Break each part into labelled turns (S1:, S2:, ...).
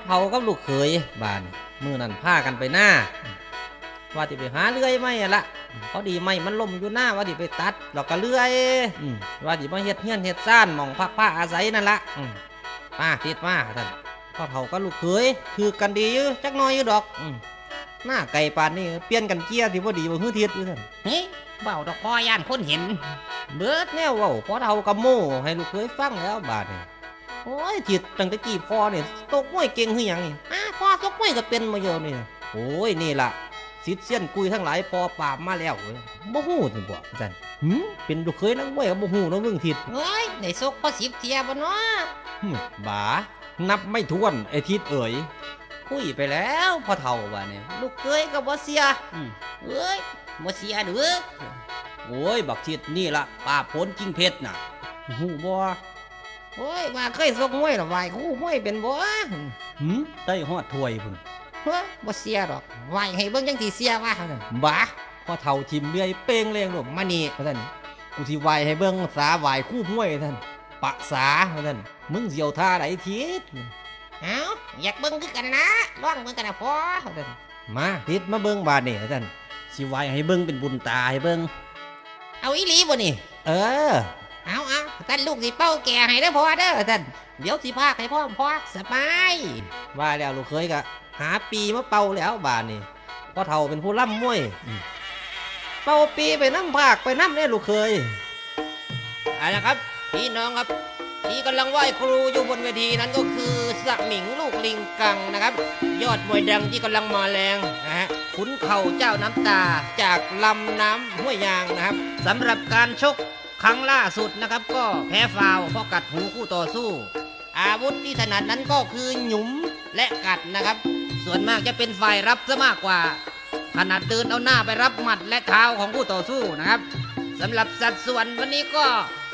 S1: เฒ่ากับลูกเขยบ้านมื้อนั้นพากันไปหน้าว่าสิไปหาเลื่อยไม้ละพอดีไม้มันล่มอยู่หน้าว่าสิไปตัดแล้วก็เลื่อยว่าสิมาเฮ็ดเฮือนเฮ็ดซ่านหม่องพักผ้าอาศัยนั่นละมาติดมาท่านพ่อเฒ่ากับลูกเขยคือกันดีอยู่จักหน่อยอยู่ดอกหน้าไก่ปานนี่เปลี่ยนกันเกียร์ที่บ่ดีบ่ฮื้อทิศอยู่ท่าน
S2: เฮ้ยเบาดอกคอย่านคนเห็น
S1: เบิดแนวเว้าพ่อเฒ่ากับโม่ให้ลูกเขยฟังแล้วบาดนี่โอ้ยทิศตั้งแต่กี้พ่อนี่ตกมวยเก่งคือหยังนี่พ่อตกมวยก็เป็นมาเยอะนี่โอ้ยนี่ล่ะสิทธิ์เซียนกุยทั้งหลายพอปราบมาแล้วบ่ฮู้สิบ่จันเป็นลูกเขยนักมวยก็บ่ฮู้เนาะเรื่องทิศ
S2: เฮ้ยได้ซกพอ10เที่ยบ่เนาะ
S1: บ้านับไม่ถ้วนไอ้ทิศเอ๋ยคุยไปแล้วพ่อเฒ่าว่าเนี่ยลูกเขยก็บ่เสีย
S2: เอ้ยบ่เสียเด้อ
S1: โอ้ยบักทิศนี่ล่ะป่าผลกิ่งเพชรน่ะฮู้บ่
S2: โอ้ยว่าเคยซกมวยหรอไหวคู่มวยเป็นบ่
S1: ได้ฮอดถ้วยพุ่น
S2: เฮ้ยบ่เสียดอกไหวให้เบิ่งจังสิเสียว่า
S1: บ้าพ่อเฒ่าทิมเลื่อยเป้งเลี้ยงลูกมานี่ท่านกูสิไหวให้เบิ่งสาไหวคู่มวยท่านปะสาท่านมึงเสียวท่าไหนทิศ
S2: เอ้าอยากเบิ่งคือกันนะลองเบิ่งกันนะพ่อท่าน
S1: มาทิศมาเบิ่งบาดนี่ท่านสิไหวให้เบิ่งเป็นบุญตาให้เบิ่ง
S2: เอาอีหลีบ่นี่เอาท่านลูกสิเป้าแก่ให้เด้อพ่อเด้อท่านเดี๋ยวสิพาให้พ่อสบาย
S1: ว่าแล้วลูกเคยก็หาปีมาเป่าแล้วบาดนี่พ่อเฒ่าเป็นผู้ล่ำมวยเป่าปีไปน้ำภาคไปน้ำเนี่ยลูกเคย
S2: อะไรนะครับพี่น้องครับที่กำลังไหว้ครูอยู่บนเวทีนั้นก็คือสมิงลูกลิงกังนะครับยอดมวยดังที่กำลังมาแรงนะฮะขุนเข่าเจ้าน้ำตาจากลำน้ำห้วยยางนะครับสำหรับการชกครั้งล่าสุดนะครับก็แพ้ฟาวเพราะกัดหูคู่ต่อสู้อาวุธที่ถนัดนั้นก็คือหยุมและกัดนะครับส่วนมากจะเป็นฝ่ายรับซะมากกว่าถนัดเดินเอาหน้าไปรับหมัดและเท้าของคู่ต่อสู้นะครับสำหรับสัดส่วนวันนี้ก็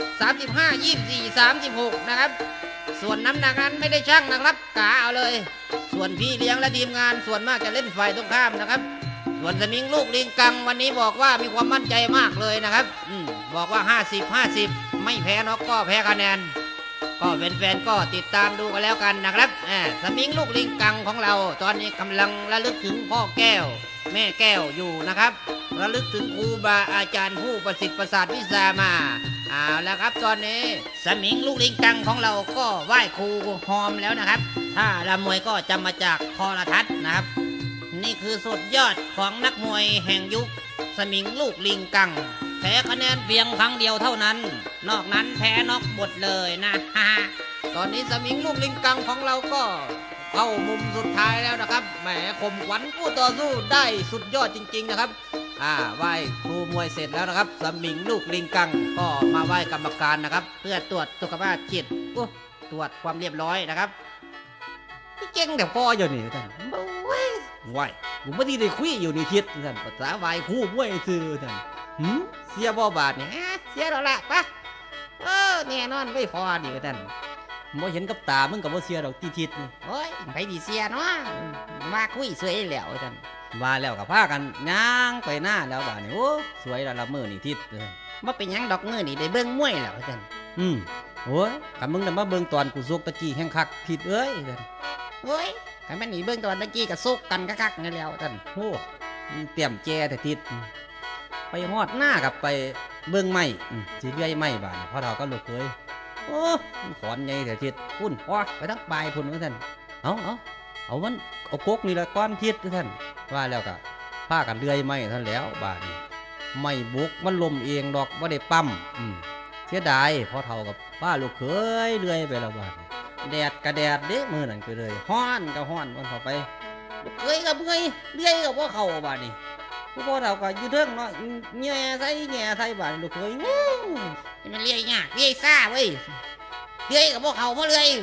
S2: 35 24 36นะครับส่วนน้ำหนักนั้นไม่ได้ชั่งนะครับกะเอาเลยส่วนพี่เลี้ยงและทีมงานส่วนมากจะเล่นฝ่ายตรงข้ามนะครับส่วนสมิงลูกลิงกังวันนี้บอกว่ามีความมั่นใจมากเลยนะครับบอกว่า50 ไม่แพ้น็อกก็แพ้คะแนนก็แฟนๆก็ติดตามดูกันแล้วกันนะครับสมิงลูกลิงกังของเราตอนนี้กำลังระลึกถึงพ่อแก้วแม่แก้วอยู่นะครับระลึกถึงครูบาอาจารย์ผู้ประสิทธิ์ประสาทวิชามาเอาแล้วครับตอนนี้สมิงลูกลิงกังของเราก็ไหว้ครูฮอมแล้วนะครับถ้าละมวยก็จะมาจากโทรทัศน์นะครับนี่คือสุดยอดของนักมวยแห่งยุคสมิงลูกลิงกังแพ้คะแนนเพียงครั้งเดียวเท่านั้นนอกนั้นแพ้น็อกหมดเลยนะตอนนี้สมิงลูกลิงกังของเราก็เข้ามุมสุดท้ายแล้วนะครับแหมข่มขวัญผู้ต่อสู้ได้สุดยอดจริงๆนะครับไหว้ครูมวยเสร็จแล้วนะครับสมิงลูกลิงกังก็มาไหว้กรรมการนะครับเพื่อตรวจสุขภาพจิตตรวจความเรียบร้อยนะครับพี่เก่งแต่พ่ออยู่นี่ท่านไหว้ผมไม่ได้คุยอยู่ในทิศท่านภาษาไหว้ครูมวยซื่อท่านเสียบ่บาทเนี่ยเสียแล้วล่ะปะแน่นอนไม่พอดีท่านบ่เห็นกับตามึงกับบ่เสียดอกทิศโอ้ยไปดีเสียเนาะมาคุยสวยแล้วท่าน
S1: ว่าแล้วกับพากันย่างไปหน้าแล้วบาดนี่โอ้สวยแล้วละมือนี่ทิศ
S2: บ่เป็นหยังดอกมือนี่ได้เบิ่งมวยแล้วท่าน
S1: โอ้ยคันมึงน่ะมาเบิ่งตอนกูซกตะกี้แห่งคักทิศเอ้ยท่าน
S2: โอ้ยคันมันนี่เบิ่งตอนตะกี้ก็ซกกันคักๆนั่นแล้วท่าน
S1: โอ้เตรียมแจแต่ทิศไปฮอดหน้ากับไปเบิ่งไม้สิเลื่อยไม้บาดพ่อเฒ่าก็ลูกเคยโอ้ขอนใหญ่แต่ทิศพุ่นพ่อไปทั้งปลายพุ่นท่านเอามันเอากกนี่ละก้อนทิศท่านว่าแล้วก็พากันเลื่อยไม้ท่านแล้วบาดนี้ไม่บุกมันลมเองดอกว่าได้ปั๊มเสียดายพ่อเฒ่ากับป้าลูกเคยเลื่อยไปแล้วบาดแดดกระแดดเด้มือนั่นก็เลยฮ้อนก็ฮ้อนมันเข้าไปลูกเคยกับเลื่อยกับว่าเข้าบาดนี้พ่อเฒ่าก็อยู่เทิงเนาะแง่ใส่บาดลูกเคย
S2: มันเลื่อยยากเลื่อยซ่าเว้ยเลื่อยกับพวกเขามาเลื่อย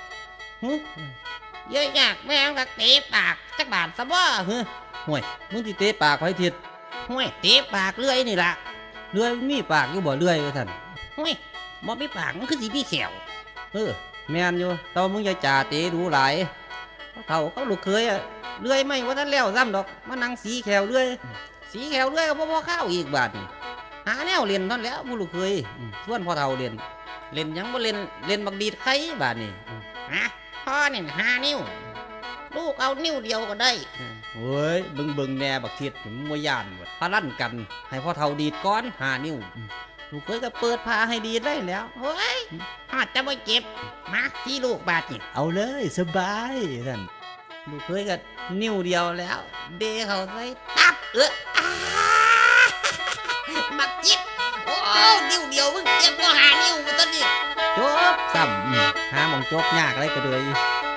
S2: เลื่อยยากแม่งก็เตะปากจักบาทซะบ่
S1: ห่วยมึงที่เตะปากไว้ทิศ
S2: ห่วยเตะปากเลื่อยนี่ล่ะ
S1: เลื่อยมีปากอยู่บ่เลื่อยท่าน
S2: ห่วยบ่มีปากมันคือสิมีแขว
S1: แม่นอยู่แต่มึงอย่าจ่าเตะดูหลายเฒ่าเขาลูกเคยเลื่อยไม่ว่าท่านแล้วซ้ำดอกมานั่งสีแขวเลื่อยก็บ่ข้าวอีกบาดนี่หาแนวเรียนท่านแล้วผู้ลูกเคยส่วนพ่อเฒ่าเรียนยังบ่เล่นบักดีดไข่บาดนี่
S2: พ่อนี่5 นิ้วลูกเอานิ้วเดียวก็ได้
S1: โอ้ยเบิ่งแน่บักทิศมันบ่ย่านบ่พาลั่นกัน ให้พ่อเฒ่าดีดก่อน5 นิ้วลูกเคยก็เปิดพาให้ดีดได้แล้ว
S2: เฮ้ยหอดจะไม่เจ็บ มาที่ลูกบาดนี่
S1: เอาเลยสบายท่านลูกเคยก็นิ้วเดียวแล้ว
S2: เดเขาใส่ตับมักจิบโอ้นิ้วเดียวมึงเจ็บก็หานิ้วมาตอนนี้
S1: จบซ้ำหาหมองจบยากเลยก็เลย